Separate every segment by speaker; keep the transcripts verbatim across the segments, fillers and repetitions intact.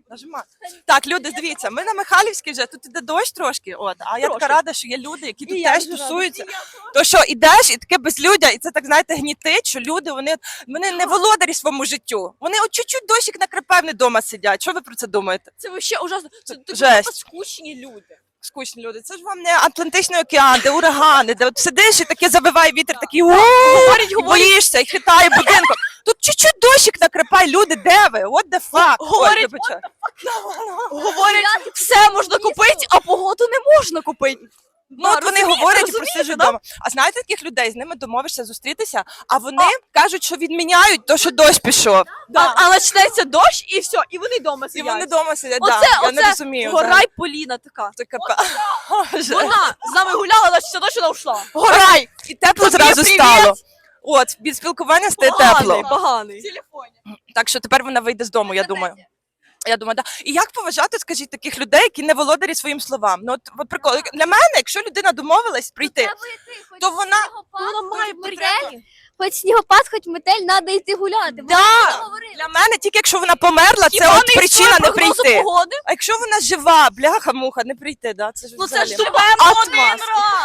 Speaker 1: Нажимай. Так, люди, дивіться, ми на Михайлівській вже, тут іде дощ трошки, от, а я така рада, що є люди, які тут теж тусуються. То що, ідеш, і таке безлюдя, і це, так, знаєте, гнітить, що люди, вони, вони не володарі своєму життю. Вони от чуть-чуть дощик накрепе, вони вдома сидять. Що ви про це думаєте?
Speaker 2: Це вообще ужасно. Це
Speaker 1: Жесть.
Speaker 2: скучні люди.
Speaker 1: Скучні люди. Це ж вам не Атлантичний океан, де урагани, де от сидиш і таке завиває вітер, такий у
Speaker 2: Говорять, говорять.
Speaker 1: боїшся і хитає будинком. Тут чуть-чуть дощик накрепай, люди, де ви? What the fuck?
Speaker 2: Говорять,
Speaker 1: Ой, вибачаю.
Speaker 2: Говорять, все можна купити, а погоду не можна купити.
Speaker 1: Ну, от вони говорять і просижуть вдома. А знаєте таких людей, з ними домовишся зустрітися, а вони кажуть, що відміняють то, що дощ пішов.
Speaker 2: Да. А почнеться дощ і все, і вони вдома
Speaker 1: І
Speaker 2: сидять.
Speaker 1: вони вдома сидять,
Speaker 2: Оце,
Speaker 1: да. Я
Speaker 2: оце
Speaker 1: не розумію.
Speaker 2: Горай Поліна така.
Speaker 1: Це капа. Боже.
Speaker 2: Вона з нами гуляла, значить все дощ вона ушла.
Speaker 1: Горай! І тепло
Speaker 2: Тобі
Speaker 1: зразу
Speaker 2: привіт.
Speaker 1: стало. От, від спілкування стає тепло.
Speaker 2: Поганий. В телефоні.
Speaker 1: Так що тепер вона вийде з дому, я думаю. Я думаю, да. І як поважати, скажіть, таких людей, які не володарі своїм словам? Ну, от, от прикол. Для мене, якщо людина домовилась прийти, то вона...
Speaker 2: Вона має прийти.
Speaker 3: Хоч снігопад, хоч метель, треба йти гуляти.
Speaker 1: Да. Для мене, тільки якщо вона померла, це от причина не прийти.
Speaker 2: Погоди?
Speaker 1: А якщо вона жива, бляха-муха, не прийти, да? Це ж
Speaker 2: Ну це
Speaker 1: взагалі.
Speaker 2: ж живемо один раз.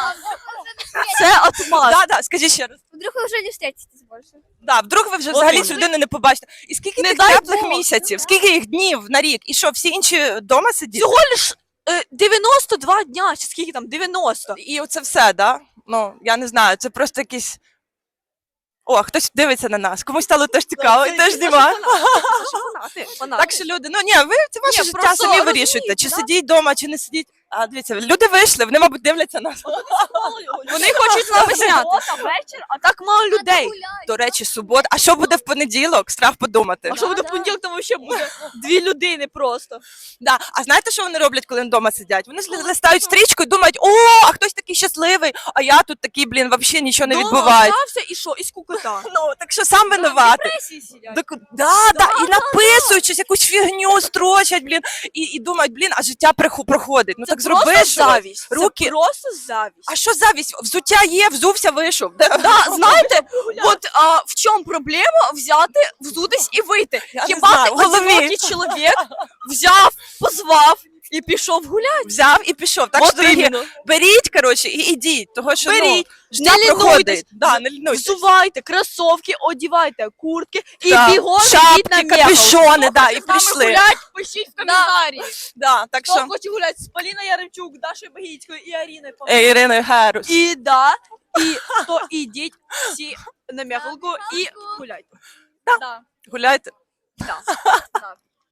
Speaker 2: Це отмаз.
Speaker 1: Да, да, скажи ще раз.
Speaker 3: Вдруг ви вже не встретитесь більше.
Speaker 1: Да, вдруг ви вже
Speaker 2: От
Speaker 1: взагалі
Speaker 2: вони.
Speaker 1: цю людину не побачите. І скільки
Speaker 2: Не
Speaker 1: тих
Speaker 2: дай
Speaker 1: теплих
Speaker 2: Бог.
Speaker 1: місяців, скільки їх днів на рік? І що, всі інші вдома сидять?
Speaker 2: Всього лиш е, дев'яносто два дня, чи скільки там, дев'яносто.
Speaker 1: І оце все, да? Ну, я не знаю, це просто якісь... О, хтось дивиться на нас, комусь стало теж цікаво, і теж знімає. Так що люди, ну ні, ви це ваше
Speaker 2: Ні,
Speaker 1: життя,
Speaker 2: просто
Speaker 1: самі
Speaker 2: розумієте,
Speaker 1: вирішуйте, чи
Speaker 2: да?
Speaker 1: сидіть вдома, чи не сидіть. А дивіться, люди вийшли, вони, мабуть, дивляться нас.
Speaker 2: Вони хочуть з нами зняти. Вечір, а так мало людей.
Speaker 1: До речі, субота. А що буде в понеділок? Страх подумати.
Speaker 2: А що буде в
Speaker 3: Да,
Speaker 2: понеділок, там взагалі буде дві людини просто.
Speaker 1: Да. А знаєте, що вони роблять, коли вдома сидять? Вони ж листають стрічку і думають, о, а хтось такий щасливий, а я тут такий, блін, взагалі нічого не
Speaker 2: Дома
Speaker 1: відбувається.
Speaker 2: остався і що, і скукота.
Speaker 1: Ну, так що сам винуватий.
Speaker 2: Депресії сидять.
Speaker 1: Так, да, да, і написують щось, якусь фігню строчать, блін, і, і думають, блін, а життя приху- проходить. Ну
Speaker 2: Це
Speaker 1: так
Speaker 2: просто
Speaker 1: зроби щось.
Speaker 2: завість.
Speaker 1: Руки.
Speaker 2: Це просто завість.
Speaker 1: А що завість? Взуття є, взувся, вийшов. Да,
Speaker 2: Да, знаєте, от а, в чому проблема взяти, взутись і вийти?
Speaker 1: Я не
Speaker 2: Хіба
Speaker 1: знаю,
Speaker 2: ти
Speaker 1: в голові.
Speaker 2: одинокий чоловік взяв, позвав і пішов гуляти?
Speaker 1: Взяв і пішов. Так
Speaker 2: От
Speaker 1: що, дорогі,
Speaker 2: іменно.
Speaker 1: беріть, коротше, і ідіть. Того, що,
Speaker 2: Беріть,
Speaker 1: ну, життя
Speaker 2: не лінуйтесь.
Speaker 1: проходить. Да, не лінуйтесь.
Speaker 2: Взувайте кросовки, одівайте куртки і
Speaker 1: Так,
Speaker 2: бігом йдіть на
Speaker 1: шапки,
Speaker 2: м'яко.
Speaker 1: капюшони, да, і
Speaker 2: З нами
Speaker 1: пішли.
Speaker 2: гулять, пишіть в коментарі.
Speaker 1: Да, так
Speaker 2: Хто
Speaker 1: що,
Speaker 2: хоче гуляти з Поліною Яремчук, Дашою Багіцькою і Аріною Павловною.
Speaker 1: е, Іриною Герус.
Speaker 2: І да, і то ідіть всі на м'яколку і гуляйте.
Speaker 3: Да.
Speaker 2: Да.
Speaker 1: Гуляйте.
Speaker 2: Да. Да.